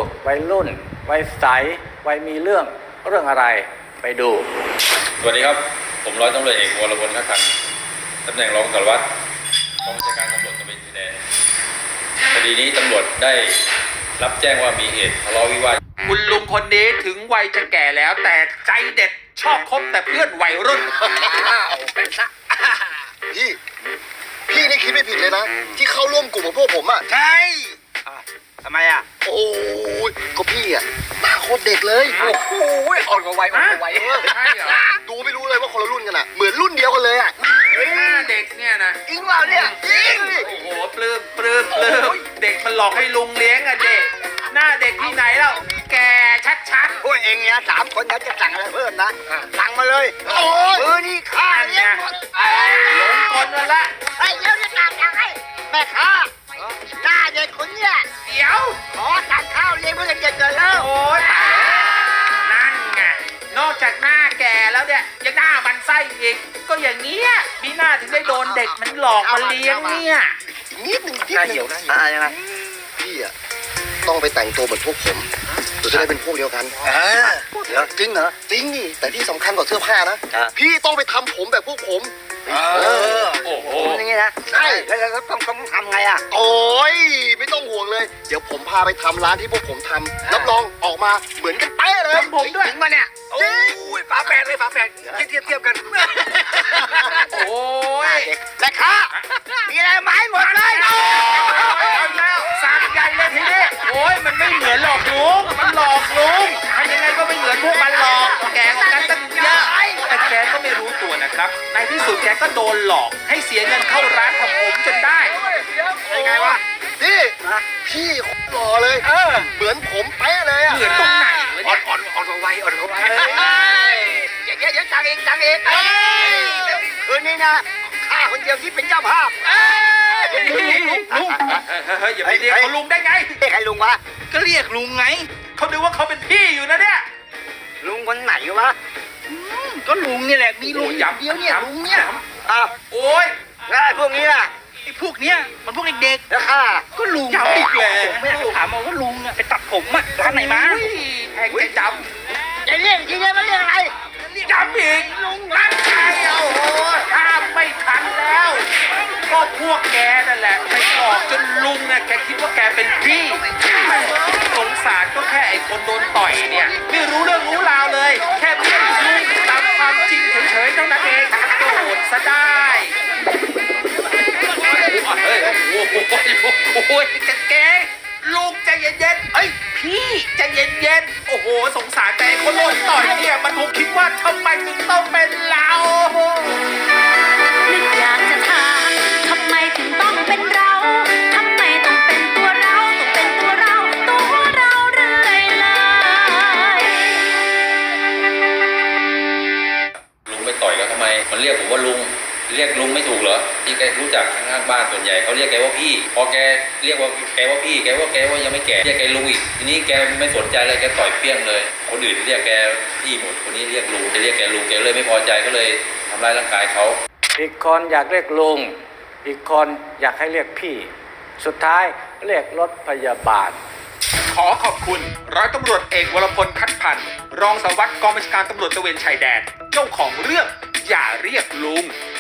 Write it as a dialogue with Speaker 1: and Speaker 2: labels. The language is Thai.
Speaker 1: วัยรุ่นวัยใสวัยมีเรื่องอะไรไปดู
Speaker 2: สวัสดีครับผมร้อยตำรวจเอกวรพลคักคันตำแหน่งรองสารวัตรกองบัญชาการตำรวจตระเวนชายแดนคดีนี้ตำรวจได้รับแจ้งว่ามีเหตุทะเลาะวิวาท
Speaker 3: คุณลุงคนนี้ถึงวัยจะแก่แล้วแต่ใจเด็ดชอบคบแต่เพื่อนวัยรุ่น
Speaker 4: เป็นซะพี่นี่คิดไม่ผิดเลยนะที่เข้าร่วมกลุ่มของพวกผมอ่ะ
Speaker 3: ใช่ทำไมอ่ะ
Speaker 4: โอ้ยก็พี่อ่ะหน้าโคตรเด็กเลย
Speaker 3: โอ้โหอ่อนกว่าวัยใช่เหรอ
Speaker 4: ดูไม่รู้เลยว่าคนละรุ่นกันอ่ะเหมือนรุ่นเดียวกันเลยอ่ะ
Speaker 3: หน้าเด็กเนี่ยนะ
Speaker 4: จริงเปล่าเนี่ยจริง
Speaker 3: โอ้โหปลื้มเด็กมันหลอกให้ลุงเลี้ยงอ่ะเด็กหน้าเด็กที่ไหนแล้วแกชัด
Speaker 4: พวกเองเนี่ย3 คนจะสั่งอะไรเพิ่มนะสั่งมาเลยโอ้ยมือนี่ข้าเนี่ย
Speaker 3: หลงกลมาละ
Speaker 4: ไอ้เดี๋ยวจะสั่งยังไงแม่ค้าหน้าเด็กคนเนี่ย
Speaker 3: เดี๋ยว
Speaker 4: ขอสั่งข้าวเลี้ยงเพื่อนเด็กๆแล้ว
Speaker 3: โอ้ยตายนั่นไงนอกจากหน้าแก่แล้วเนี่ยยังหน้ามันไส้อีกก็อย่างเงี้ยมีหน้าถึงได้โดนเด็กมันหลอกมาเลี้ยงเนี่ย
Speaker 4: นิดหนึ่งยังไงพี่อ่ะต้องไปแต่งตัวเหมือนพวกผมเราจะได้เป็นพวกเดียวกันจริงเหรอจริงนี่แต่ที่สำคัญกว่าเสื้อผ้านะพี่ต้องไปทำผมแบบพวกผม
Speaker 3: โอ้โห
Speaker 4: อย่างงี้นะใช่แล้วต้องทำไงอ่ะโอ้ยไม่ต้องห่วงเลยเดี๋ยวผมพาไปทำร้านที่พวกผมทำรับรองออกมาเหมือนกันเป๊ะเลย
Speaker 3: ผมด้วย
Speaker 4: ถึงมาเนี่ยโอ้ยฝาแฝดเลยฝาแฝดเทียบกัน
Speaker 3: โอ้ย
Speaker 4: แต่ค่ะมีอะไรไหมหมดเลย
Speaker 3: สามใหญ่เลยทีนี้โอ้ยมันไม่เหมือนหลอกลุงมันหลอกลุงทำยังไงก็ไม่เหมือนพวกมันหลอกแกก็กันตั้งเยอะแต่แกก็ไม่รู้ตัวนะครับในที่สุดแกก็โดนหลอกให้เสียเงินเข้าร้านทำผมจนได้
Speaker 4: ยังไงวะพี่หล่อเลยเหมือนผมเป๊ะเลย
Speaker 3: เหมือนตรงไหน
Speaker 4: อ่อนกว่าวัยอย่างเงี้ยจังเองคืนนี้นะข้าคนเดียวที่เป็นเจ้าภาพ
Speaker 3: ลุงอย่าไปเรียกเขาลุงได้ไง
Speaker 4: เรียกใครลุงวะ
Speaker 3: ก็เรียกลุงไงเขาดูว่าเขาเป็นพี่อยู่นะเนี่ย
Speaker 4: ลุงคนไหนวะ
Speaker 3: ก็ลุงนี่แหละมีลุงอย่างเดียวเนี่ยลุงเนี่ยโอ้ย
Speaker 4: แล้วพวกนี้ล่ะ
Speaker 3: ไอ้พวกเนี้ยมันพวกเด็ก
Speaker 4: ๆแล้วข้า
Speaker 3: ก็ลุงย้ำอีกแล้วผมไม่อยากถามมาว่าลุงไปตัดผมอะร้านไหนมาแพงจะจำ
Speaker 4: จะเรียกจริงๆมันเรียกอะไร
Speaker 3: จำอีกลุงรักใครโอ้โหห้ามไม่ทันแล้วก็พวกแกนั่นแหละไปหลอกจนลุงน่ะแกคิดว่าแกเป็นพี่สงสารก็แค่ไอ้คนโดนต่อยเนี่ยไม่รู้เรื่องรู้ราวเลยแค่เรียกลุงตามความจริงเฉยๆเท่านั้นเองโดนซะได้เฮ้ยโอ้ยแกลุงใจเย็นๆเอ้ยพี่ใจเย็นๆโอ้โหสงสารแต่คนโดนต่อยเนี่ยมันคงคิดว่าทำไมถึงต้องเป็นเรา
Speaker 5: นึกอยากจะถามทำไมถึงต้องเป็นเราทำไมต้องเป็นตัวเราต้องเป็นตัวเราเรื่อยเลย
Speaker 2: ลุงไปต่อยแล้วทำไมมันเรียกผมว่าลุงเรียกลุงไม่ถูกเหรอที่แกรู้จักข้างๆบ้านส่วนใหญ่เขาเรียกแกว่าพี่พอแกเรียกว่าแกว่าพี่แกว่ายังไม่แก่เรียกแกลุงอีกทีนี้แกไม่สนใจเลยแกต่อยเปี้ยงเลยคนอื่นเรียกแกพี่หมดคนนี้เรียกลุงจะเรียกแกลุงแกเลยไม่พอใจก็เลยทำร้ายร่างกายเขา
Speaker 1: อีกคนอยากเรียกลุงอีกคนอยากให้เรียกพี่สุดท้ายเรียกรถพยาบาล
Speaker 3: ขอขอบคุณร้อยตำรวจเอกวรพลคัดพันธ์รองสารวัตรกองบัญชาการตำรวจตระเวนชายแดนเจ้าของเรื่องอย่าเรียกลุง